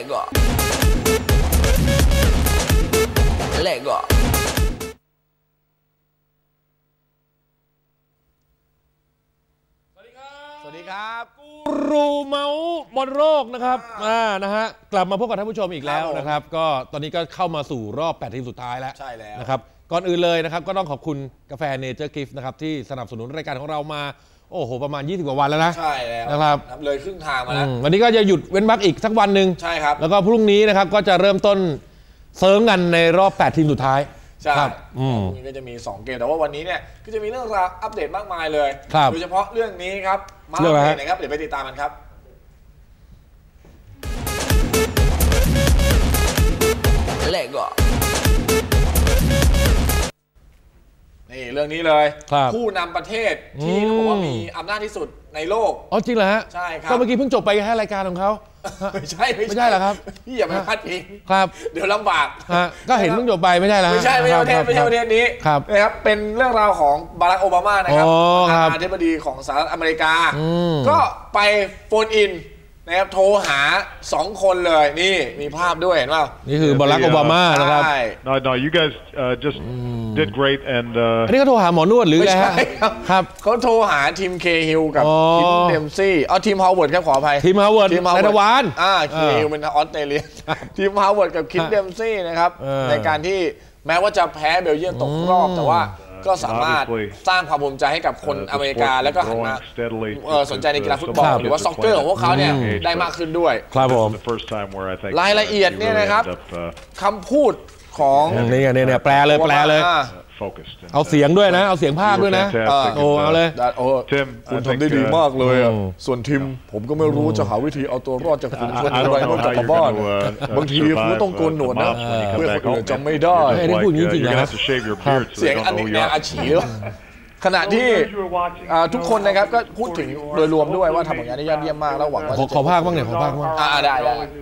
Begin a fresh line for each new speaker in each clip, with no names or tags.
Lego Lego
สวัสดีครับ
กูรูเมาส์บอลโลกนะครับนะฮะกลับมาพบกับท่านผู้ชมอีกแล้วนะครับก็ตอนนี้ก็เข้ามาสู่รอบ8ทีมสุดท้ายแล้ว
ใช่แล้ว
นะครับก่อนอื่นเลยนะครับก็ต้องขอบคุณกาแฟเนเจอร์กิฟต์นะครับที่สนับสนุนรายการของเรามาโอ้โหประมาณ20กว่าวันแล้วนะ
ใช่แล้ว
นะครับ
เลยครึ่งทางมาแล้ว
วันนี้ก็จะหยุดเว้นวรรคอีกสักวันหนึ่ง
ใช่ครับ
แล้วก็พรุ่งนี้นะครับก็จะเริ่มต้นเซิร์ฟกันในรอบ8ทีมสุดท้าย
ใช่นี่ก็จะมี2เกมแต่ว่าวันนี้เนี่ยก็จะมีเรื่องราวอัปเดตมากมายเลยโดยเฉพาะเรื่องนี้ครับมาอัปเดตนะครับเดี๋ยวไปติดตามกันครับ
Lego
นี่เรื่องนี้เลยผู้นำประเทศที่เขาบอกว่ามีอำนาจที่สุดในโลก
อ๋อจริงเหรอฮะ
ใช่ครับ
ก็เมื่อกี้เพิ่งจบไปแค่รายการของเขา
ไม่ใช่
เหรอครับ
พี่อย่าไปพลาดพิง
ครับ
เดี๋ยวลำบาก
ก็เห็นเพิ่งจบไปไม่ใช่แล้ว
ไม่ใช่ประเทศนี้นะครับเป็นเรื่องราวของบารักโอบามานะครับประธานาธิบดีของสหรัฐอเมริกาก็ไปโฟนอินนะครับโทรหา2คนเลยนี่มีภาพด้วยเห็นป่าว
นี่คือบารักโอบามานะครับ
No you guys just did great and
อันนี้เขาโทรหาหมอนวดหรือไงครับ
เขาโทรหาทีมเคฮิลกับคิมเดมซี่ทีมฮาวเวิร์ดครับขออภัย
ทีมฮาวเวิร์ดในตะวัน
เคฮิลเป็นออสเตรเลียทีมฮาวเวิร์ดกับคิมเดมซี่นะครับในการที่แม้ว่าจะแพ้เบลเยียมตกรอบแต่ว่าก็สามารถสร้างความภูมิใจให้กับคนอเมริกาแล้วก็หันมาสนใจในกีฬาฟุตบอลหรือว่าซ็อกเกอร์ของพวกเขาเนี่ยได้มากขึ้นด้วย
ครับผม
รายละเอียดเนี่ยนะครับคำพูดของ
เนี่ยแปลเลยเอาเสียงด้วยนะเอาเสียงภาคด้วยนะโอ้เอาเลย
คุณทำได้ดีมากเลยส่วนทีมผมก็ไม่รู้จะหาวิธีเอาตัวรอดจากฝูงชนอะไรนอกจากบ้านบางทีคุณต้องโกนหนวดนะเพื่อคนอื่นจำไม่ได้
ไม่ได้พูดจริงๆนะ
เสียงอันนี้อาชีพขณะที่ทุกคนนะครับก็พูดถึงโดยรวมด้วยว่าทำผลงานได้ยอดเยี่ยมมากแล้วหวังว่า
ขอภาคบ้างเนี่ยขอภาคบ้าง
ได้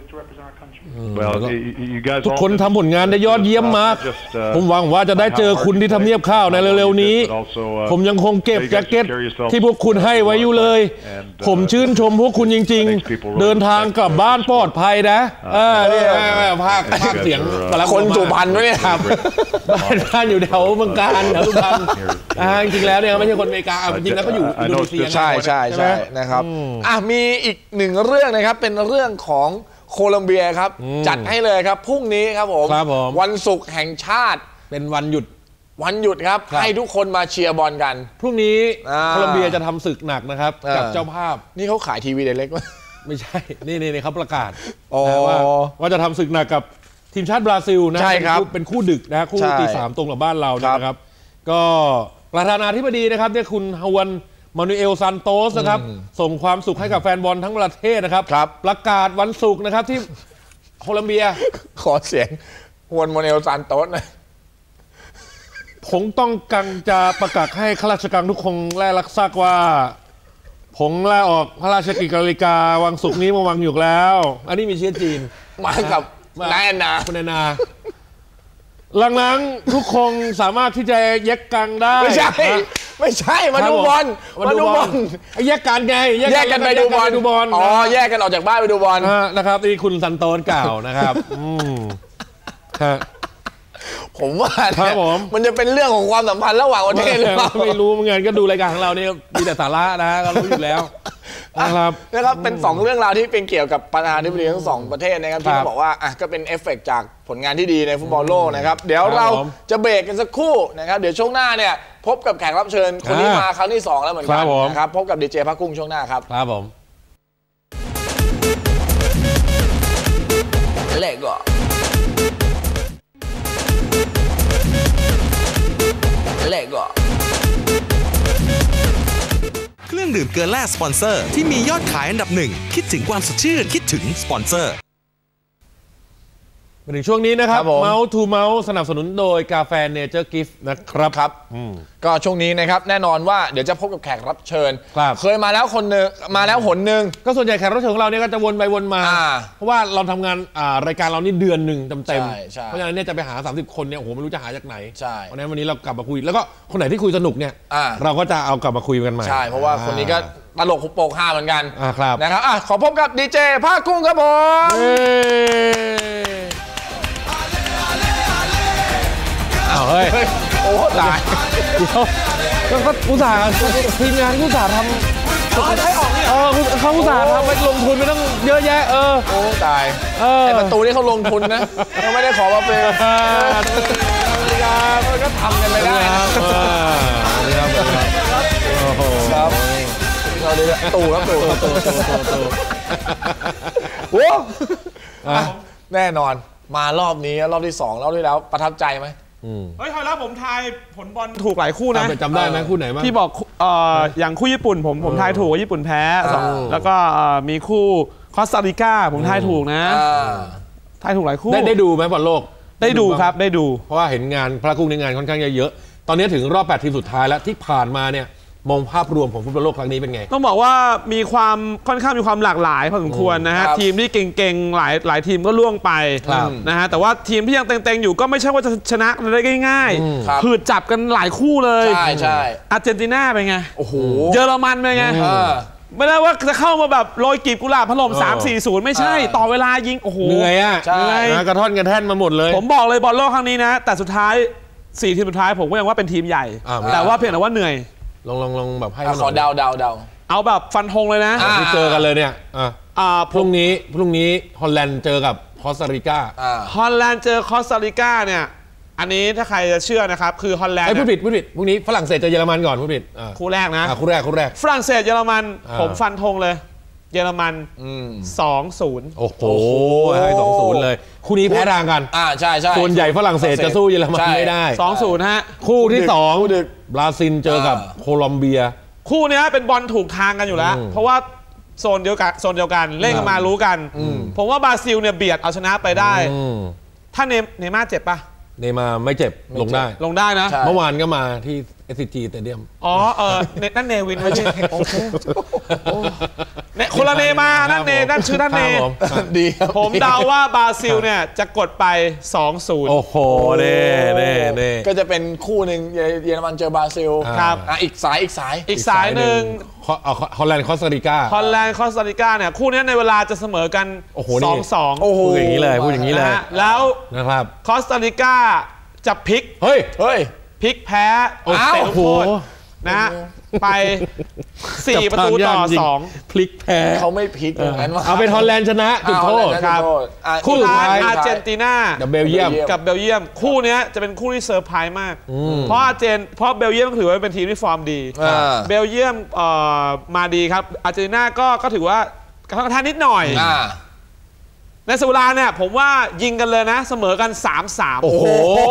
ทุกคนทำผลงานได้ยอดเยี่ยมมากผมหวังว่าจะได้เจอคุณที่ทำเนียบข้าวในเร็วๆนี้ผมยังคงเก็บแจ็คเก็ตที่พวกคุณให้ไว้อยู่เลยผมชื่นชมพวกคุณจริงๆเดินทางกลับบ้านปลอดภัยนะนี่ภาคเสียง
คนสุพรรณวะเนี่ย
ครับบ้านอยู่แถวเมืองการแถวสุพรรณจริงๆแล้วเนี่ยไม่ใช่คนอเมริกาจริงๆแล้วเขาอยู่อินโดนีเซีย
ใช่นะครับมีอีกหนึ่งเรื่องนะครับเป็นเรื่องของโคลัมเบียครับจัดให้เลยครับพรุ่งนี้ครับผมวันศุกร์แห่งชาติ
เป็นวันหยุด
ครับให้ทุกคนมาเชียร์บอลกัน
พรุ่งนี้โคลัมเบียจะทำศึกหนักนะครับกับเจ้าภาพ
นี่เขาขายทีวีเด็กๆ
ไม่ใช่นี่เขาประกาศว่าจะทำศึกหนักกับทีมชาติบราซิลนะเป็นคู่ดึกนะคู่ตี 3ตรงกับบ้านเรานะครับก็ประธานาธิบดีนะครับเนี่ยคุณฮวนมานูเอลซันโตสนะครับส่งความสุขให้กับแฟนบอลทั้งประเทศนะครับประกาศวันศุกร์นะครับที่โคลัมเบีย
ขอเสียงฮวนมานูเอลซันโตสหน่อย
ผมต้องการจะประกาศให้ข้าราชการทุกคนแลรับทราบว่าผมลาออกพระราชกิจการิกาวันศุกร์นี้มาวางอยู่แล้วอันนี้มีเชื้อจีน
มากับนายนา
คุณนายนาหลังๆทุกคนสามารถที่จะแยกกันได้
ไม่ใช่มาดูบอล
แยกกันไง
แยกกันไปดูบอลแยกกันออกจากบ้านไปดูบอล
นะครับนี่คุณซันโตสกล่าวนะครับ
ผมว่ามันจะเป็นเรื่องของความสัมพันธ์ระหว่างประเทศหรือเปล่า
ไม่รู้เหมือนกันก็ดูรายการของเราเนี่ยมีแต่สาระนะก็รู้อยู่แล้ว
นะครับเป็น2เรื่องราวที่เป็นเกี่ยวกับประธานาธิบดีทั้ง2ประเทศนะครับที่บอกว่าก็เป็นเอฟเฟกต์จากผลงานที่ดีในฟุตบอลโลกนะครับเดี๋ยวเราจะเบรกกันสักครู่นะครับเดี๋ยวช่วงหน้าเนี่ยพบกับแขกรับเชิญคนนี้มาครั้งที่2แล้วเหมือนกันนะครับพบกับดีเจพักกุ้งช่วงหน้าครับ
ครับผม
Lego Lego
เครื่องดื่มเกลือแร่สปอนเซอร์ที่มียอดขายอันดับหนึ่งคิดถึงความสดชื่นคิดถึงสปอนเซอร์
มาถึงช่วงนี้นะครับเมาส์ทูเมาส์สนับสนุนโดยกาแฟเนเจอร์กิฟต์นะครับ
ก็ช่วงนี้นะครับแน่นอนว่าเดี๋ยวจะพบกับแขกรับเชิญเคยมาแล้วคนนึงมาแล้วหนนึง
ก็ส่วนใหญ่แขกรับเชิญของเราเนี่ยก็จะวนไปวนมาเพราะว่าเราทำงานรายการเรานี่เดือนหนึ่งเต็มๆเพราะฉะนั้นเนี่ยจะไปหา30คนเนี่ยโอ้โหไม่รู้จะหาจากไหนเพราะฉะนั้นวันนี้เรากลับมาคุยแล้วก็คนไหนที่คุยสนุกเนี่ยเราก็จะเอากลับมาคุยกันใหม่
ใช่เพราะว่าคนนี้ก็ตลกหุบโปกฮาเหมือนกัน
ครับ
นะครับขอพบกับดีเจภาคกุ้งครับผม
เฮ้ย
โอ้ตาย
ก็อุตส่าห์ทีมงานอุตส่าห์ทำเขาอุตส่าห์ทำไปลงทุนไม่ต้องเยอะแยะ
โอ้ตายไอประตูนี่เขาลงทุนนะเขาไม่ได้ขอมาเป็นก็ทำกันไม่ได้ครับครับเราดีละตู่ครับตู่โอ้แน่นอนมารอบนี้รอบที่2รอบที่แล้วประทับใจไหม
เฮ้ยคราวแล้วผมทายผลบอลถูกหลายคู่นะ
จำได้ไหมคู่ไหนบ้าง
ที่บอกอย่างคู่ญี่ปุ่นผมทายถูกว่าญี่ปุ่นแพ้แล้วก็มีคู่คอสตาริกาผมทายถูกนะทายถูกหลายคู่
ได้ดูไหมบอลโลก
ได้ดูครับได้ดู
เพราะว่าเห็นงานพระกุ้งในงานค่อนข้างเยอะตอนนี้ถึงรอบ8ทีมสุดท้ายแล้วที่ผ่านมาเนี่ยมองภาพรวมของฟุตบอลโลกครั้งนี้เป็นไง
ต้องบอกว่ามีความค่อนข้างมีความหลากหลายพอสมควรนะฮะทีมที่เก่งๆหลายทีมก็ล่วงไปนะฮะแต่ว่าทีมที่ยังเต็งๆอยู่ก็ไม่ใช่ว่าจะชนะได้ง่ายๆผืดจับกันหลายคู่เลย
ใช่
อาร์เจนตินาเป็นไง
โอ้โห
เยอรมันเป็นไงไม่ได้ว่าจะเข้ามาแบบโรยกีบกุหลาบพะลม 3-4-0 ไม่ใช่ต่อเวลายิงโอ้โห
เหนื่อยอ่ะกระท่อนกระแท่นมาหมดเลย
ผมบอกเลยบอลโลกครั้งนี้นะแต่สุดท้าย4ทีมสุดท้ายผมก็ยังว่าเป็นทีมใหญ่แต่ว่าเพียงแต่ว่าเหนื่อย
ลองแบบให้
ขอเดา
เอาแบบฟันธงเลยนะ
ที่เจอกันเลยเนี่ยพรุ่งนี้ฮอลแลนด์เจอกับคอสตาริกา
ฮอลแลนด์เจอคอสตาริกาเนี่ยอันนี้ถ้าใครจะเชื่อนะครับคือฮอลแลนด์
พูดผิดพรุ่งนี้ฝรั่งเศสเจอเยอรมันก่อนพูดผิด
คู่แรกนะ
คู่แรก
ฝรั่งเศสเยอรมันผมฟันธงเลยเยอรมัน 2-0
โอ้โหให้ 2-0 เลยคู่นี้แพ้ทางกัน
ใช่
ส่วนใหญ่ฝรั่งเศสจะสู้เยอรมันไม่ได้
2-0 ฮะ
คู่ที่2บราซิลเจอกับโคลอมเบีย
คู่นี้เป็นบอลถูกทางกันอยู่แล้วเพราะว่าโซนเดียวกันเล่นกันมารู้กันผมว่าบราซิลเนี่ยเบียดเอาชนะไปได้ถ้าเนม่าเจ็บปะ
เนม่าไม่เจ็บลงได้
นะ
เมื่อวานก็มาที่ SCG Stadium
นั่นเนวินไม่ใช่โอเคคนละเนมานั่นชื่อนั่นเน
ดี
ผมเดาว่าบราซิลเนี่ยจะกดไป 2-0
โอ้โหเน่
ก็จะเป็นคู่หนึ่งเยอรมันเจอบราซิล
ครับ
อีกส
ายหนึ่ง
ฮอลแลนด์คอสตาริกา
เนี่ยคู่นี้ในเวลาจะเสมอกัน 2-2
พูดอย่างนี้เลย
แล้ว
นะครับ
คอสตาริกาจะพลิก
เฮ้ย
พลิกแพ้เตะลูกโทษนะไป4-2
พลิกแพ้
เขาไม่พลิก
เอาเป็นฮอลแลนด์ชนะจุดโทษ
ครับคู่สุดท้ายอาร์เจนตินา
กับเบลเยียม
คู่นี้จะเป็นคู่ที่เซอร์ไพรส์มากเพราะเบลเยียมถือว่าเป็นทีมที่ฟอร์มดีเบลเยียมมาดีครับอาร์เจนตินาก็ถือว่ากระทำนิดหน่อยในสุราเนี่ยผมว่ายิงกันเลยนะเสมอกัน 3-3
โอ้โห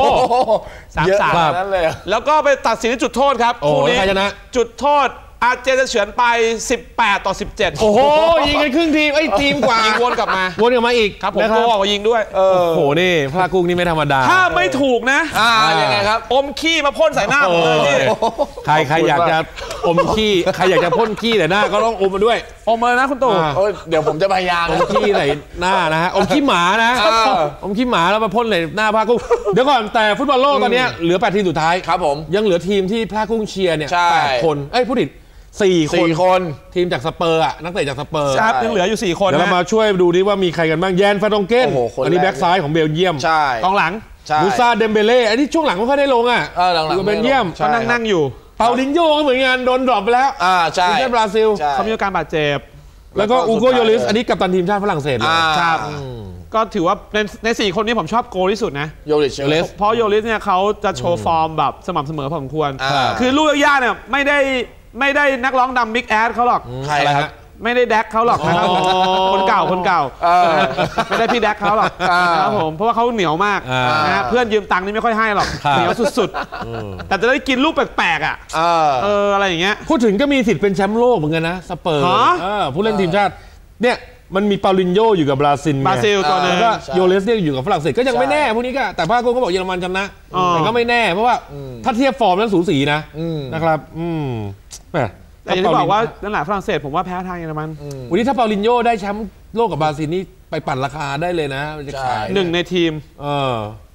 3-3
นั่นเลย
แล้วก็ไปตัดสินจุดโทษครับ
คู่นี้
จุดโทษอาร์เจนจะเฉือนไป18-17
โอ้โหยิงกันครึ่งทีมทีมกว่า
ยิงวนกลับมาอีก
ครับ
ผมก็ออกมายิงด้วย
โอ้โหนี่พลากุ้งนี่ไม่ธรรมดา
ถ้าไม่ถูกนะ
ยังไงครับ
อมขี้มาพ่นใส่หน้าผมเลยนี่
ใครอยากจะอมขี้ใครอยากจะพ่นขี้แต่หน้าก็ต้องอมมาด้วย
อมเลยนะคุณตู่
เดี๋ยวผมจะพยายาม
อมขี้ใส่หน้านะฮะอมขี้หมานะอมขี้หมาแล้วมาพ่นใส่หน้าพลากุ้งเดี๋ยวก่อนแต่ฟุตบอลโลกตอนนี้เหลือ8ทีมสุดท้าย
ครับผม
ยังเหลือทีมที่พลากุ้งเชียร์เนี่ย8คนพูดผิด4 คนทีมจากสเปอร์นักเตะจากสเปอร์
ครับยังเหลืออยู่4 คน
เดี๋ยวเรามาช่วยดูดิว่ามีใครกันบ้างแยนฟาดงเก้นอันนี้แบ็กซ้ายของเบลเยียม
กองหลัง
มูซาเดมเบเล่อันนี้ช่วงหลังไม่ค่อยได้ลงอยู่เบลเยียม
เขานั่งอยู่
เปาลินโญ่ก็เหมือนกันโดนดรอปไปแล้ว
ใช่
ทีมชาติบราซิล
เขามีอาการบาดเจ็บ
แล้วก็อูโกโยลิสอันนี้กัปตันทีมชาติฝรั่งเศสเลย
ครับก็ถือว่าใน4 คนนี้ผมชอบโกที่สุดนะ
โยลิส
เพราะโยลิสเนี่ยเขาจะโชว์ฟอร์มแบบสม่ำเสมอพอสมควรคือลูกยากเนี่ยไม่ได้นักร้องดำบิ๊กแอดเขาหรอก
ใครฮะ
ไม่ได้แดกเขาหรอกนะครับคนเก่าไม่ได้พี่แดกเขาหรอกนะครับผมเพราะว่าเขาเหนียวมากนะเพื่อนยืมตังค์นี่ไม่ค่อยให้หรอกเหนียวสุดๆแต่จะได้กินลูกแปลกๆอะไรอย่างเงี้ย
พูดถึงก็มีสิทธิ์เป็นแชมป์โลกเหมือนกันนะสเปอร์ผู้เล่นทีมชาติเนี่ยมันมีเปาลินโญ่อยู่กับบราซิล
ตัวนึง
ก็โยเลสเนี่ยอยู่กับฝรั่งเศสก็ยังไม่แน่พวกนี้ก็แต่ภาคโก้ก็บอกเยอรมันชนะแต่ก็ไม่แน่เพราะว่าถ้าเทียบฟอร์มนั้นสูสีนะครับ
แต่อย่างที่บอกว่านั่นแหละฝรั่งเศสผมว่าแพ้ทางเยอรมัน
วันนี้ถ้าเปาลินโญ่ได้แชมป์โลกกับบราซิลนี่ไปปั่นราคาได้เลยนะจะขาย
1 ในทีม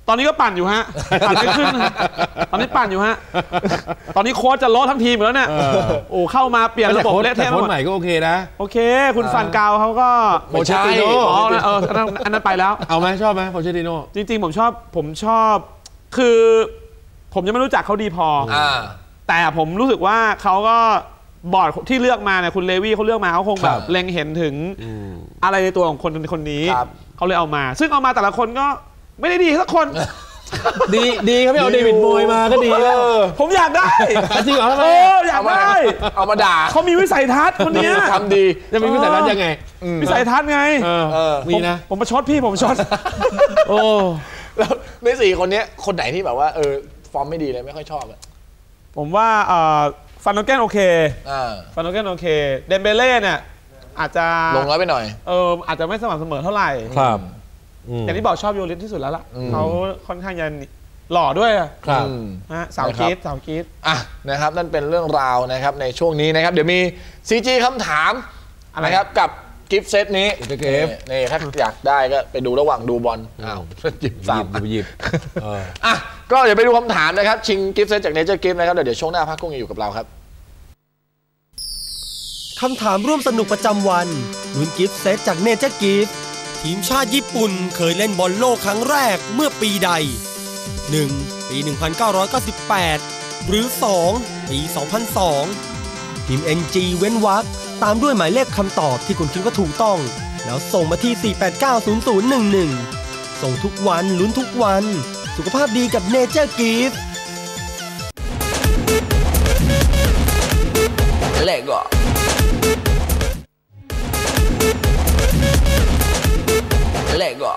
ตอนนี้ก็ปั่นอยู่ฮะปั่นไม่ขึ้นตอนนี้ปั่นอยู่ฮะตอนนี้โค้ชจะล้อทั้งทีมแล้วเนี่ยโอ้เข้ามาเปลี่ยนระบบเละเทะ
แต่โค้ชใหม่ก็โอเคนะ
โอเคคุณฟันกาวเขาก็
โปเชติโน่
อันนั้นไปแล้ว
เอาไหมชอบไหมโปเชติโน่
จริงๆผมชอบคือผมยังไม่รู้จักเขาดีพอแต่ผมรู้สึกว่าเขาก็บอร์ดที่เลือกมาเนี่ยคุณเลวี่เขาเลือกมาเขาคงแบบเล็งเห็นถึงอะไรในตัวของคนนี้เขาเลยเอามาซึ่งเอามาแต่ละคนก็ไม่ได้ดีสักคน
ดีเขาไม่เอาเดวิดโมยมาก็ดีแล้ว
ผมอยากได้
จริงเหรอ
อยากได้
เอามาด่า
เขามีวิสัยทัศน์คนนี้
ทำดี
จะมีวิสัยทัศน์ยังไง
วิสัยทัศน์ไง
มีนะ
ผมประชดพี่ผมประชด
โอ้
แล้วใน4คนนี้คนไหนที่แบบว่าฟอร์มไม่ดีเลยไม่ค่อยชอบ
ผมว่าฟันโนเกนโอเคฟันโนเกนโอเคเดมเบเล่เนี่ยอาจจะ
ลงน้อยไปหน่อย
อาจจะไม่สม่ำเสมอเท่าไหร่
ครับ
อย่างที่บอกชอบโยลิสที่สุดแล้วล่ะเขาค่อนข้างจะหล่อด้วย
ครับ
สาวกีด
นะครับนั่นเป็นเรื่องราวนะครับในช่วงนี้นะครับเดี๋ยวมี CG คำถามนะครับกับกิฟต์เซตนี้นี่ถ้าอยากได้ก็ไปดูระหว่างดูบอลหยิบก็เดี๋ยวไปดูคำถามนะครับชิงกิฟต์เซตจากเนเจอร์กิฟต์นะครับเดี๋ยวช่วงหน้าพักกุ้งอยู่กับเราครับ
คำถามร่วมสนุกประจำวันลุ้นกิฟต์เซตจากเนเจอร์กิฟต์ทีมชาติญี่ปุ่นเคยเล่นบอลโลกครั้งแรกเมื่อปีใด 1. ปี 1998 หรือ 2. ปี 2002 ทีม NG เว้นวรรคตามด้วยหมายเลขคำตอบที่คุณคิดว่าถูกต้องแล้วส่งมาที่ 4890011 ส่งทุกวันลุ้นทุกวันสุขภาพดีกับเนเจอร์กิฟต์
Lego Lego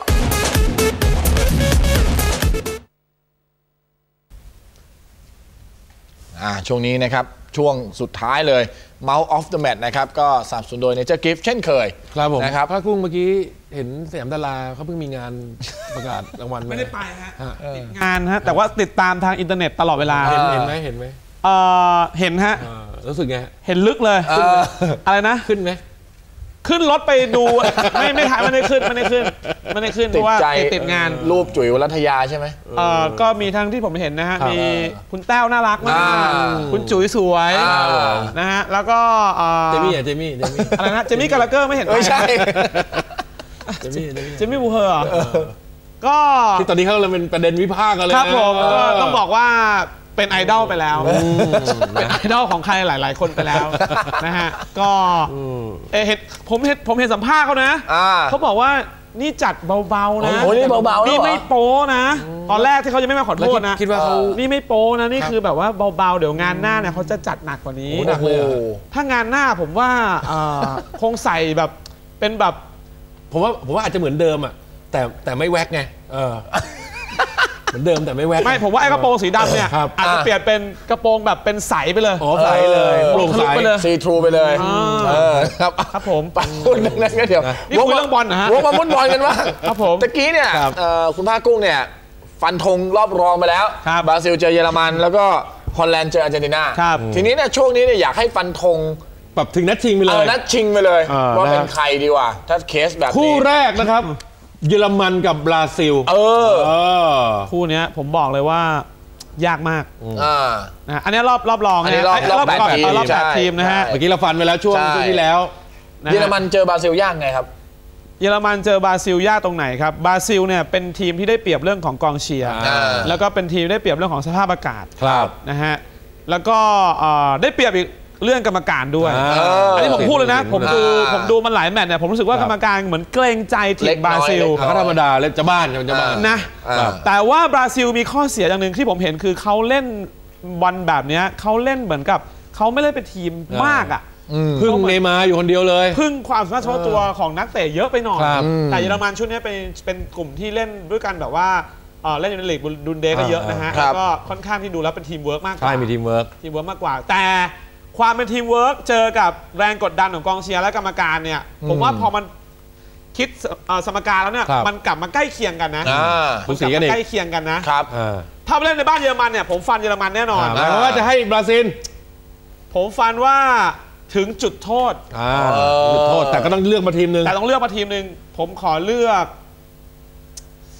ช่วงนี้นะครับช่วงสุดท้ายเลย Mouth of the Match นะครับก็สนับสนุนโดย Nature Gift เช่นเคย
ครับผม
นะครับ
พระกุ้งเมื่อกี้เห็นสยามดาราเขาเพิ่งมีงานประกาศรางวัล
ไม่ได้ไปฮะติดงานฮะแต่ว่าติดตามทางอินเทอร์เน็ตตลอดเวลา
เห็นไหม
เห็นฮะ
รู้สึกไง
เห็นลึกเลยอะไรนะ
ขึ้นไหม
ขึ้นรถไปดูไม่ถ่ายไม่ได้ขึ้นเพราะว่าติดงาน
รูปจุ๋ยวรัตยาใช่ไหม
ก็มีทั้งที่ผมเห็นนะฮะมีคุณแต้วน่ารักมากคุณจุ๋ยสวยนะฮะแล้วก็
เจมี่
อะไรนะเจมี่กาลาเกอร์ไม่เห็น
ไม่ใช่
เจมี่บูเฮอร์ก็
ที่ตอนนี้เขาเลยเป็นประเด็นวิพากษ์กันเลย
ครับผมก็ต้องบอกว่าเป็นไอดอลไปแล้วเป็นไอดอลของใครหลายๆคนไปแล้วนะฮะก็ผมเห็นสัมภาษณ์เขานะเขาบอกว่านี่จัดเบาๆนะ
นี่เบาๆ
นี่ไม่โป้นะตอนแรกที่เขาจะไม่มาขอโทษนะ
คิดว่าเขา
นี่ไม่โป้นะนี่คือแบบว่าเบาๆเดี๋ยวงานหน้าเนี่ยเขาจะจัดหนักกว่านี้ถ้างานหน้าผมว่าคงใส่แบบเป็นแบบ
ผมว่าอาจจะเหมือนเดิมอ่ะแต่ไม่แว็กไงเหมือนเดิมแต่ไม่แว็ก
ไม่ผมว่าไอ้กระโปรงสีดำเนี่ยอาจจะเปลี่ยนเป็นกระโปรงแบบเป็นใสไปเลย
ใสเลยโปร่งใส
ไปเลยซีทรูไปเลย
ครับผม
ปัดพูดนั่นก็เดี๋ยว
นี่คุยเรื่องบอลนะฮะ
วกมาฟุตบอลกันว่า
ครับผม
ตะกี้เนี่ยคุณภาคกุ้งเนี่ยฟันธงรอบรองไปแล้วบราซิลเจอเยอรมันแล้วก็ฮอลแลนด์เจออาร์เจนตินาทีนี้เนี่ยช่วงนี้เนี่ยอยากให้ฟันธง
แบบถึงนัดชิงไปเลย
นัดชิงไปเลยว่าเป็นใครดีกว่าถ้าเคสแบบนี้
คู่แรกนะครับเยอรมันกับบราซิล
คู่นี้ผมบอกเลยว่ายากมากอันนี้รอบรอง
นะรอบ
8 ทีมนะฮะ
เมื่อกี้เราฟันไปแล้วช่วงที่แล้ว
เยอรมันเจอบราซิลยากไงครับ
เยอรมันเจอบราซิลยากตรงไหนครับบราซิลเนี่ยเป็นทีมที่ได้เปรียบเรื่องของกองเชียร์แล้วก็เป็นทีมได้เปรียบเรื่องของสภาพอากาศนะฮะแล้วก็ได้เปรียบอีกเรื่องกรรมการด้วยอันนี้ผมพูดเลยนะผมดูมันหลายแมตช์เนี่ยผมรู้สึกว่ากรรมการเหมือนเกรงใจทีมบราซิล
ก็ธรรมดาเล่นจะบ้าน
นะแต่ว่าบราซิลมีข้อเสียอย่างหนึ่งที่ผมเห็นคือเขาเล่นบอลแบบนี้เขาเล่นเหมือนกับเขาไม่ได้เป็นทีมมากอ่ะ
พึ่งเนย์มาร์อยู่คนเดียวเลย
พึ่งความสามารถเฉพาะตัวของนักเตะเยอะไปหน่อยแต่เยอรมันชุดนี้เป็นกลุ่มที่เล่นด้วยกันแบบว่าเล่นในลีกบุนเดสก็เยอะนะฮะแล้วก็ค่อนข้างที่ดูแล้วเป็นทีมเวิร์กมากกว่า
ใช่มีทีมเวิร์ก
มากกว่าแต่ความเป็นทีมเวิร์กเจอกับแรงกดดันของกองเชียร์และกรรมการเนี่ยผมว่าพอมันคิดสมการแล้วเนี่ยมันกลับมาใกล้เคียงกันนะ
มันกลับมา
ใกล้เคียงกันนะครับถ้าเล่นในบ้านเยอรมันเนี่ยผมฟันเยอรมันแน่นอน
เพราะว่าจะให้บราซิล
ผมฟันว่าถึงจุดโทษ
จุดโทษแต่ก็ต้องเลือกมาทีมนึง
ผมขอเลือก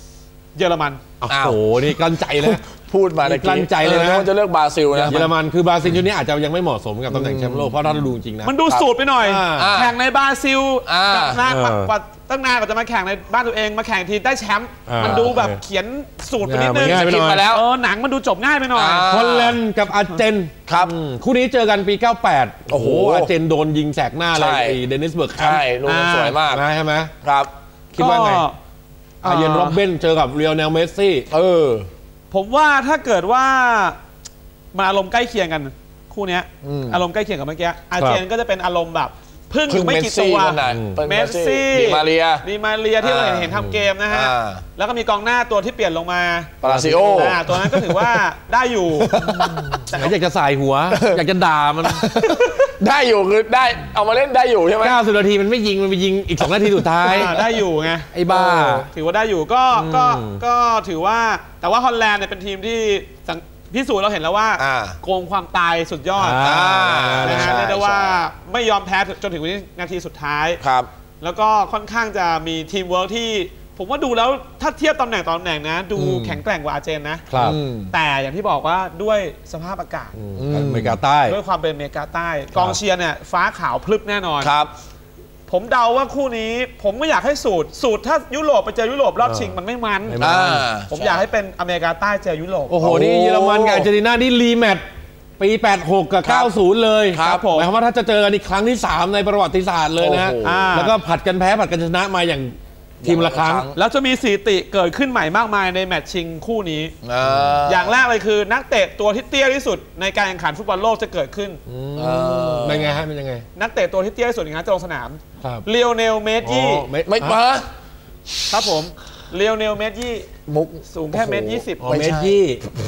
เยอรมัน
โอ้โหนี่กลั้นใจเลย
พูดมาใน
กลั้นใจเลยนะ
ว่าจะเลือกบราซิลนะ
เยอรมันคือบราซิลชุดนี้อาจจะยังไม่เหมาะสมกับตำแหน่งแชมป์โลกเพราะถ้าเราดูจริงนะ
มันดูสูตรไปหน่อย แข่งในบราซิลกับนานตั้งนานกว่าจะมาแข่งในบ้านตัวเองมาแข่งทีได้แชมป์มันดูแบบเขียนสูตรไปนิดนึง
ง่ายไปหน่อย
มาแล้วหนังมันดูจบง่ายไปหน่อย
ฮอลแลนด์กับอาร์เจน
ครับ
คู่นี้เจอกันปี 98 โอ้โหอาร์เจนโดนยิงแสกหน้าเลยไอ้เดนิสเบิร์กแคมป์
ใช่ลูกสวยมาก
ใช่ไหม
ครับ
คิดว่าไงอาเยนโรบเบนเจอกับเรียลเนลเมสซี่
ผมว่าถ้าเกว่ามาอารมณ์ใกล้เคียงกันคู่นี้อารมณ์ใกล้เคียงกับเมื่อกี้อาร์เจนก็จะเป็นอารมณ์แบบพึ่งไม่กี่ตัวเมสซี่ดีมาเรียที่เราเห็นทำเกมนะฮะแล้วก็มีกองหน้าตัวที่เปลี่ยนลงมา
ปาราซิโอ
ตัวนั้นก็ถือว่าได้อยู่
แต่อยากจะใส่หัวอยากจะด่ามัน
ได้อยู่คือได้เอามาเล่นได้อยู่ใช่ไหม
90 นาทีมันไม่ยิงมันไปยิงอีก2 นาทีสุดท้าย
ได้อยู่ไง
ไอ้บ้า
ถือว่าได้อยู่ก็ถือว่าแต่ว่าฮอลแลนด์เนี่ยเป็นทีมที่พิสูจน์เราเห็นแล้วว่าโกงความตายสุดยอดนะฮะเรียกได้ว่าไม่ยอมแพ้จนถึงวินาทีสุดท้าย
ครับ
แล้วก็ค่อนข้างจะมีทีมเวิร์กที่ผมว่าดูแล้วถ้าเทียบตำแหน่งนะดูแข็งแกร่งกว่าอาร์เจนนะครับแต่อย่างที่บอกว่าด้วยสภาพอากาศ
อเมริกาใต้
ด้วยความเป็นอเมริกาใต้กองเชียร์เนี่ยฟ้าขาวพลึบแน่นอน
ครับ
ผมเดาว่าคู่นี้ผมไม่อยากให้สูตรถ้ายุโรปไปเจอยุโรปรอบชิงมันไม่มันผมอยากให้เป็นอเมริกาใต้เจอยุโรป
โอ้โหนี่เยอรมันกับอาร์เจนตินานี่รีแมตช์ปี86กับ90เลย
ครับผม
หมายความว่าถ้าจะเจอกันอีกครั้งที่3ในประวัติศาสตร์เลยนะแล้วก็ผัดกันแพ้ผัดกันชนะมาอย่างทีมละครั้ง
แล้วจะมีสถิติเกิดขึ้นใหม่มากมายในแมตช์ชิงคู่นี้อย่างแรกเลยคือนักเตะตัวที่เตี้ยที่สุดในการแข่งขันฟุตบอลโลกจะเกิดขึ้น
เป็นไงฮะเป็นยังไง
นักเตะตัวที่เตี้ยที่สุดอย่างนั้นจะลงสนามเลียวเนลเมสยี่
ไม่มา
ครับผมเลียวเนลเมสยี่
มุก
สูงแค่เมตร20
เมตรยี่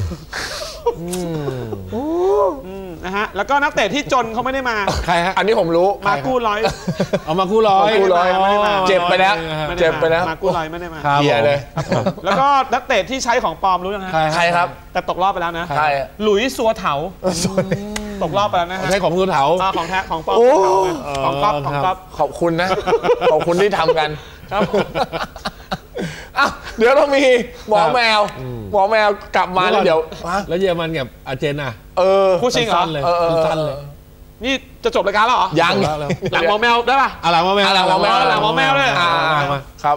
นะฮะแล้วก็นักเตะที่จนเขาไม่ได้มา
ใครฮะ
อันนี้ผมรู้
มากู้ร้อย
เอามากู้ร้อย
ไม่ได้มา
เจ็บไปแล้ว
มากู้ร้อยไม่ได้มา
เหี้ยเลย
แล้วก็นักเตะที่ใช้ของปลอมรู้ยังฮะ
ใครครับ
แต่ตกรอบไปแล้วนะ
ใคร
หลุยส์ซัวเถาตกรอบไปแล้วนะฮะ
ใช้ของซัวเถา
ของแท้ของปลอมของก๊อฟ
ขอบคุณนะขอบคุณที่ทำกันครับเดี๋ยวเรามีหมอแมวกลับมาแล้วเดี๋ยว
แล้วเยอรมันกับอาร์เจนอ่ะ
คู่ชิงเหรอ
สั้นเลย
นี่จะจบรายการแล้วเหรอ
ยัง
หลังหมอแมวได้ป่ะ
หลังหมอแมว
เลย
ครับ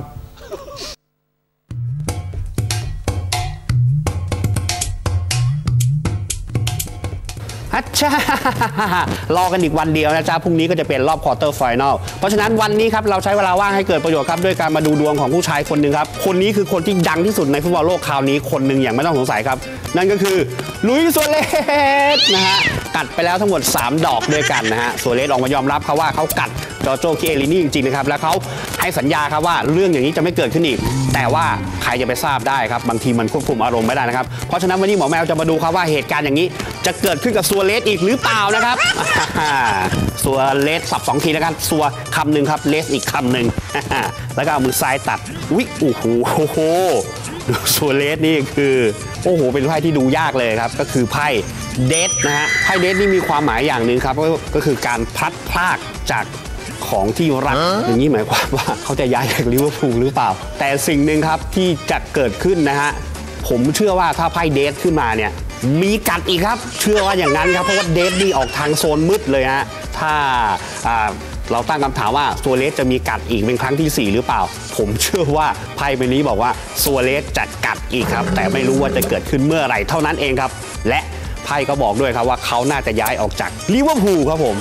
รอกันอีกวันเดียวนะจ๊ะพรุ่งนี้ก็จะเป็นรอบควอเตอร์ไฟนอลเพราะฉะนั้นวันนี้ครับเราใช้เวลาว่างให้เกิดประโยชน์ครับด้วยการมาดูดวงของผู้ชายคนหนึ่งครับคนนี้คือคนที่ดังที่สุดในฟุตบอลโลกคราวนี้คนหนึ่งอย่างไม่ต้องสงสัยครับนั่นก็คือลุยส์ ซัวเรสนะฮะกัดไปแล้วทั้งหมด3 ดอกด้วยกันนะฮะซัวเรสออกมายอมรับครับว่าเขากัดจอร์โจ คิเอลินี่จริงๆนะครับแล้วเขาให้สัญญาครับว่าเรื่องอย่างนี้จะไม่เกิดขึ้นอีกแต่ว่าใครจะไปทราบได้ครับบางทีมันควบคุมอารมณ์ไม่ได้นะครับเพราะฉะนั้นวันนี้หมอแมวจะมาดูครับว่าเหตุการณ์อย่างนี้จะเกิดขึ้นกับซัวเรสอีกหรือเปล่านะครับซัวเรสสับ2 ทีแล้วกันซัวคำหนึ่งครับเลสอีกคำหนึ่งแล้วก็เอามือซ้ายตัดวิโอ้โหซัวเรสนี่คือโอ้โหเป็นไพ่ที่ดูยากเลยครับก็คือไพ่เดทนะฮะไพ่เดทนี่มีความหมายอย่างหนึ่งครับก็คือการพลัดพรากจากของที่รักอย่างนี้หมายความว่าเขาจะย้ายจากลิเวอร์พูลหรือเปล่าแต่สิ่งหนึ่งครับที่จะเกิดขึ้นนะฮะผมเชื่อว่าถ้าไพ่เดทขึ้นมาเนี่ยมีกัดอีกครับเชื่อว่าอย่างนั้นครับเพราะว่าเดทนี่ออกทางโซนมืดเลยฮะถ้าเราตั้งคำถามว่าซัวเรสจะมีกัดอีกเป็นครั้งที่4หรือเปล่าผมเชื่อว่าไพ่ใบนี้บอกว่าซัวเรสจะกัดอีกครับแต่ไม่รู้ว่าจะเกิดขึ้นเมื่อไหร่เท่านั้นเองครับและไพ่ก็บอกด้วยครับว่าเขาน่าจะย้ายออกจากลิเวอร์พูลครับผม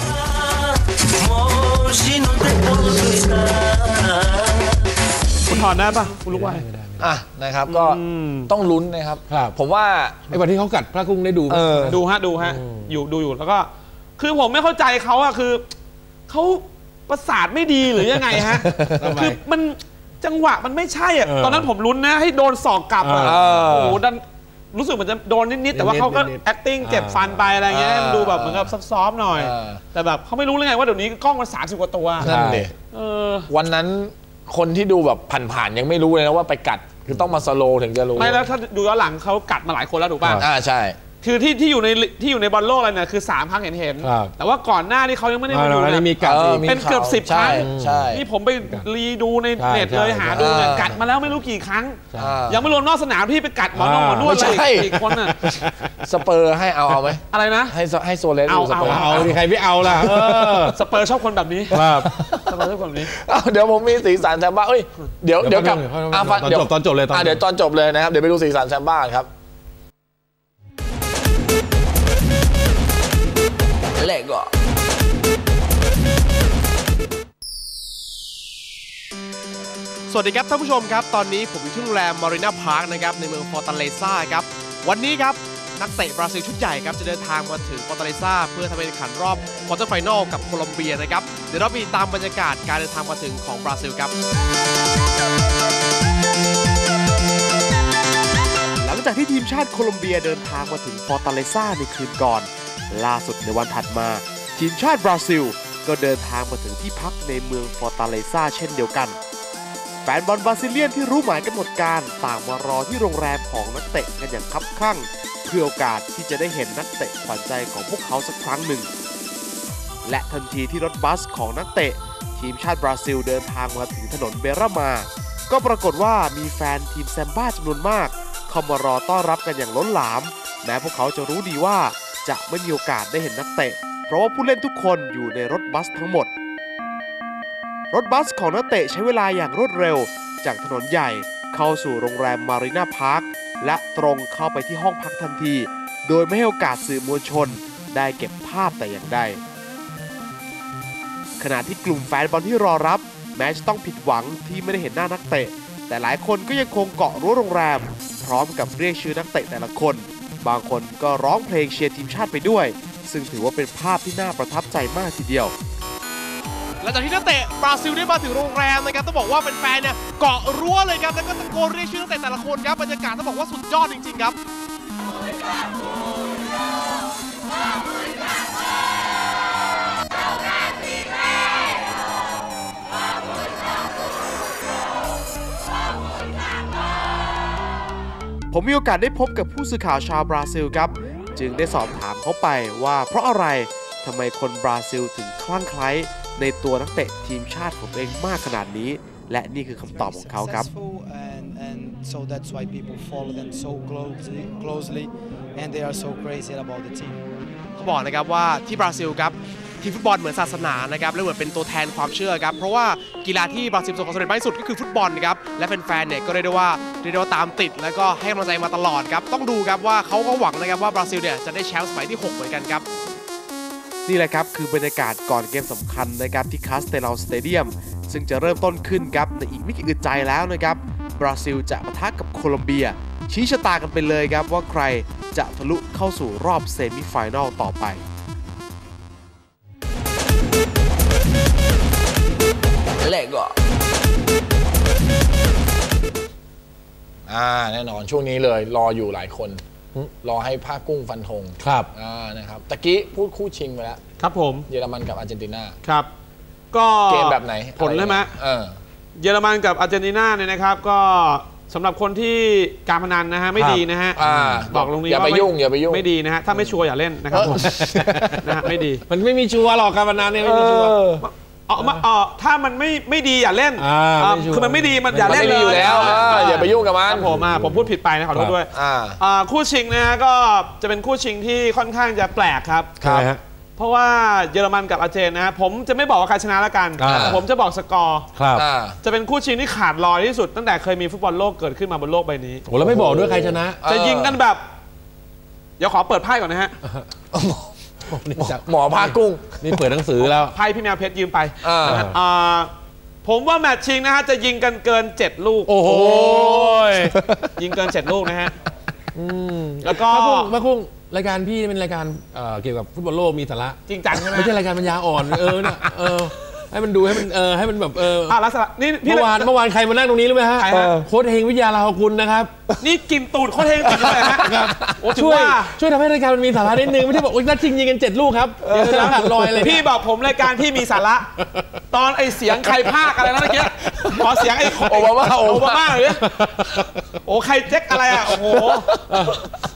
คุณถอนได้ปะคุณลูกไว้
นะครับก็ต้องลุ้นนะครับผมว่า
ไอ้วันที่เขากัดพระกุ้งได้ดู
ดูฮะอยู่แล้วก็คือผมไม่เข้าใจเขาอะคือเขาประสาทไม่ดีหรือยังไงฮะคือมันจังหวะมันไม่ใช่อะตอนนั้นผมลุ้นนะให้โดนศอกกลับอะโอ้โหดันรู้สึกเหมือนจะโดนนิดๆแต่ว่าเขาก็ acting เก็บฟันไปอะไรเงี้ยดูแบบเหมือนกับซับซ้อมหน่อยแต่แบบเขาไม่รู้เลยไงว่าเดี๋ยวนี้กล้องมัน30 กว่าตัว
นั่นดิวันนั้นคนที่ดูแบบผ่านๆยังไม่รู้เลยนะว่าไปกัดคือต้องมาสโลว์ถึงจะรู้
ไม่แล้วถ้าดูย้อนหลังเขากัดมาหลายคนแล้วถูกป่ะ
ใช่
คือที่อยู่ในบอลโลกอะไรเนี่ยคือ3 ครั้งเห็นแต่ว่าก่อนหน้านี่เขายังไม่ได้มาดูนะ
มีกัด
เป็นเกือบ10 ครั้งนี่ผมไปรีดูในเน็ตเลยหาดูเนี่ยกัดมาแล้วไม่รู้กี่ครั้งยังไม่รวมนอกสนามที่ไปกัดหมอนวดอีกคนน่ะ
สเปอร์ให้เอาไหม
อะไรนะ
ให้โซเลส
เอาดิใครไม่เอาล่ะ
สเปอร์ชอบคนแบบนี้
ครับ
สเปอร์ชอบคนแบบนี้
เดี๋ยวผมมีสีสันแซมบ้าเดี๋ยวกลับ
ตอนจบเลย
เดี๋ยวตอนจบเลยนะครับเดี๋ยวไปดูสีสันแซมบ้าครับ
Lego
สวัสดีครับท่านผู้ชมครับตอนนี้ผมอยู่ที่โรงแรมมารีนาพาร์คนะครับในเมืองฟอร์ตาเลซ่าครับวันนี้ครับนักเตะบราซิลชุดใหญ่ครับจะเดินทางมาถึงฟอร์ตาเลซ่าเพื่อทำการแข่งขันรอบควอเตอร์ไฟนอลกับโคลอมเบียนะครับเดี๋ยวเราไปติดตามบรรยากาศการเดินทางมาถึงของบราซิลครับหลังจากที่ทีมชาติโคลอมเบียเดินทางมาถึงฟอร์ตาเลซ่าในคืนก่อนล่าสุดในวันถัดมาทีมชาติบราซิลก็เดินทางมาถึงที่พักในเมืองฟอร์ตาเลซ่าเช่นเดียวกันแฟนบอลบราซิเลียนที่รู้หมายกำหนดการต่างมารอที่โรงแรมของนักเตะกันอย่างคับคั่งเพื่อโอกาสที่จะได้เห็นนักเตะขวัญใจของพวกเขาสักครั้งหนึ่งและทันทีที่รถบัสของนักเตะทีมชาติบราซิลเดินทางมาถึงถนนเบรามาก็ปรากฏว่ามีแฟนทีมแซมบ้าจำนวนมากเข้ามารอต้อนรับกันอย่างล้นหลามแม้พวกเขาจะรู้ดีว่าจะไม่มีโอกาสได้เห็นนักเตะเพราะว่าผู้เล่นทุกคนอยู่ในรถบัสทั้งหมดรถบัสของนักเตะใช้เวลาอย่างรวดเร็วจากถนนใหญ่เข้าสู่โรงแรมมารีนาพาร์คและตรงเข้าไปที่ห้องพักทันทีโดยไม่ให้โอกาสสื่อมวลชนได้เก็บภาพแต่อย่างใดขณะที่กลุ่มแฟนบอลที่รอรับแม้จะต้องผิดหวังที่ไม่ได้เห็นหน้านักเตะแต่หลายคนก็ยังคงเกาะรั้วโรงแรมพร้อมกับเรียกชื่อนักเตะแต่ละคนบางคนก็ร้องเพลงเชียร์ทีมชาติไปด้วยซึ่งถือว่าเป็นภาพที่น่าประทับใจมากทีเดียวหลังจากที่นักเตะบราซิลได้มาถึงโรงแรมนะครับต้องบอกว่าแฟนๆเนี่ยเกาะรั้วเลยครับแล้วก็ตะโกนเรียกชื่อนักเตะแต่ละคนครับบรรยากาศต้องบอกว่าสุดยอดจริงๆครับผมมีโอกาสได้พบกับผู้สื่อข่าวชาวบราซิลครับจึงได้สอบถามเขาไปว่าเพราะอะไรทำไมคนบราซิลถึงคลั่งไคล้ในตัวนักเตะทีมชาติของตัวเองมากขนาดนี้และนี่คือคำตอบของเขาครับเขาบอกนะครับว่าที่บราซิลครับทีมฟุตบอลเหมือนศาสนานะครับและเหมือนเป็นตัวแทนความเชื่อครับเพราะว่ากีฬาที่บราซิลประสบความสำเร็จมากที่สุดก็คือฟุตบอลนะครับและแฟนๆเนี่ยก็เรียกได้ว่าตามติดแล้วก็ให้กำลังใจมาตลอดครับต้องดูครับว่าเขาก็หวังนะครับว่าบราซิลเนี่ยจะได้แชมป์สมัยที่6เหมือนกันครับนี่แหละครับคือบรรยากาศก่อนเกมสำคัญนะครับที่คาสเตลาสเตเดียมซึ่งจะเริ่มต้นขึ้นครับในอีกไม่กี่อึดใจแล้วนะครับบราซิลจะปะทะกับโคลอมเบียชี้ชะตากันไปเลยครับว่าใครจะทะลุเข้าสู่รอบเซมิไฟแนลต่อไป
Lego
แน่นอนช่วงนี้เลยรออยู่หลายคนรอให้ผ้ากุ้งฟันธง
ครับ
นะครับตะกี้พูดคู่ชิงไปแล้ว
ครับผม
เยอรมันกับอาร์เจนตินา
ครับก็
เกมแบบไหน
ผลใช่ไหมเยอรมันกับอาร์เจนตินาเนี่ยนะครับก็สำหรับคนที่การพนันนะฮะไม่ดีนะฮะบอกลงนี้
อย่าไปยุ่ง
ไม่ดีนะฮะถ้าไม่ชัวร์อย่าเล่นนะครับผมนะฮะไม่ดี
มันไม่มีชัวร์หรอกการพนันเนี่ยไม่มีชัวร์
ถ้ามันไม่ดีอย่าเล่นคือมันไม่ดีมันอย่าเล่นเลย
อยู่แล้วอย่าไปยุ่งกับมัน
ผมพูดผิดไปนะขอโทษด้วยคู่ชิงนะก็จะเป็นคู่ชิงที่ค่อนข้างจะแปลกครับเพราะว่าเยอรมันกับอาร์เจนนะผมจะไม่บอกว่าใครชนะแล้วกันผมจะบอกสกอร์จะเป็นคู่ชิงที่ขาดลอยที่สุดตั้งแต่เคยมีฟุตบอลโลกเกิดขึ้นมาบนโลกใบนี้
โอ้แล้วไม่บอกด้วยใครชนะ
จะยิงกันแบบเดี๋ยวขอเปิดไพ่ก่อนนะฮะ
หมอผ้ากุ้ง
นี่เปิดหนังสือแล้ว
ไพ่พี่แมวเพชรยืมไปผมว่าแมตช์ชิงนะฮะจะยิงกันเกิน7ลูก
โอ้โห
ยิงเกิน7ลูกนะฮะแล้วก็
ผ้ากุ้งรายการพี่เป็นรายการเกี่ยวกับฟุตบอลโลกมีสาระ
จริงจังใช่ไหม
ไม่ใช่รายการปัญญาอ่อนเนี่ยให้มันดูให้มันแบบ
ลักษณะนี่
เมื่อวานใครมานั่งตรงนี้รู้ไหมฮะโค้ชเฮงวิทยาลาภกุลนะครับ
นี่กินตูดโค้ชเฮงติดเลยฮะ
ช่วยทำให้รายการมันมีสาระนิดนึงไม่ใช่บอกนัดชิงยิงกัน7ลูกครับจะขาดลอยอะไร
พี่บอกผมรายการพี่มีสาระตอนไอเสียงใครพากอะไรนะเมื่อกี้ขอเสียงไอโอบามาหรือโอ้ใครเจ๊กอะไรอ่ะโอ้โห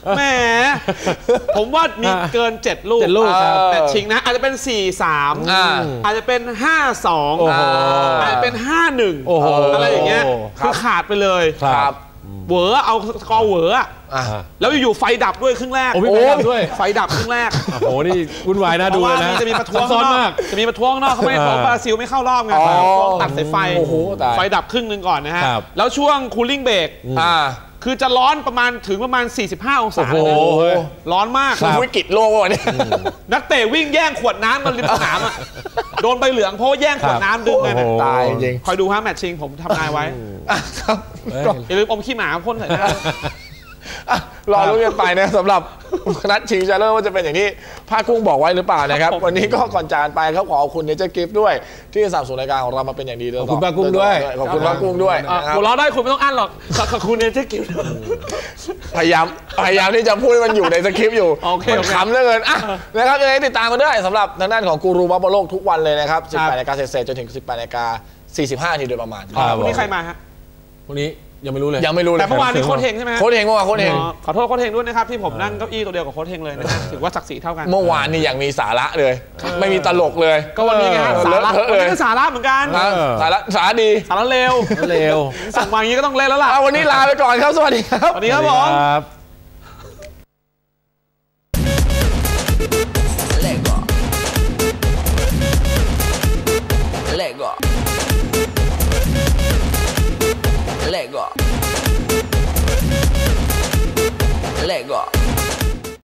แหมผมว่ามีเกิน7 ลูกแต่ชิงนะอาจจะเป็น 4-3 อาจจะเป็น 5-2 อาจจะเป็น 5-1 อะไรอย่างเงี้ยคือขาดไปเลยเหวอเอาสกอร์เหวอแล้วอยู่ๆไฟดับด้วยครึ่งแรกไฟดับครึ่งแรก
โอ้โหนี่วุ่นวายนะดูนะ
จะมีประท้วงข้างนอกเขาไม่เพราะบราซิลไม่เข้ารอบไงตัดสายไฟดับครึ่งนึงก่อนนะฮะแล้วช่วงคูลิ่งเบรกคือจะร้อนประมาณ45 องศาร้อนมาก
วิกฤตโลกวะเนี่ย
นักเตะวิ่งแย่งขวดน้ำกันริมสนามอ่ะโดนใบเหลืองเพราะว่าแย่งขวดน้ำดึงกัน
ตายจริง
คอยดูฮะแมตช์ชิงผมทำนายไว้อย่าลืมอมขี้หมาพ่นใส่หน้
ารอรุ้นกันไปนะสำหรับนัดชิงชนะเลิศว่าจะเป็นอย่างที่ภาคกุ้งบอกไว้หรือเปล่านะครับวันนี้ก็ก่อนจากไปครับขอบคุณเนเจอร์กิฟต์ด้วยที่สนับสนุนรายการของเรามาเป็นอย่างดีเลย
ขอบคุณภาคกุ้งด้วย
ขอบคุณภาคกุ้งด้วย
หัวเราะได้คุณไม่ต้องอั้นหรอกขอบคุณเนเจอร์กิฟต์
พยายามที่จะพูดให้มันอยู่ในสคริปต์อยู่มันขำเหลือเกินนะครับยังไงติดตามกันด้วยสำหรับทางด้านของกูรูบอลโลกทุกวันเลยนะครับ 18 นาฬิกาเศษจนถึง 18 นาฬิกา 45 นาทีโดยประมาณ
วันนี้ใครมาฮะ
วันนี้ยังไม่รู้เลย
แต่เมื่อวานนี้โค้ชเฮงใช่ไหม
โค้ชเฮงเมื่อวานโค้ชเฮง
ขอโทษโค้ชเฮงด้วยนะครับที่ผมนั่งเก้าอี้ตัวเดียวกับโค้ชเฮงเลยนะถือว่าศักดิ์ศรีเท่ากัน
เมื่อวานนี่อย่างมีสาระเลยไม่มีตลกเลย
ก็วันนี้ไงสาระวันนี้ก็สาระเหมือนกัน
สาระดี
สาระเร็วส่งมาอย่างนี้ก็ต้องเล่นแล้วล่ะ
วันนี้ลาไปก่อนครับสวัสดีครับ
สวัสดีครับผม
Lego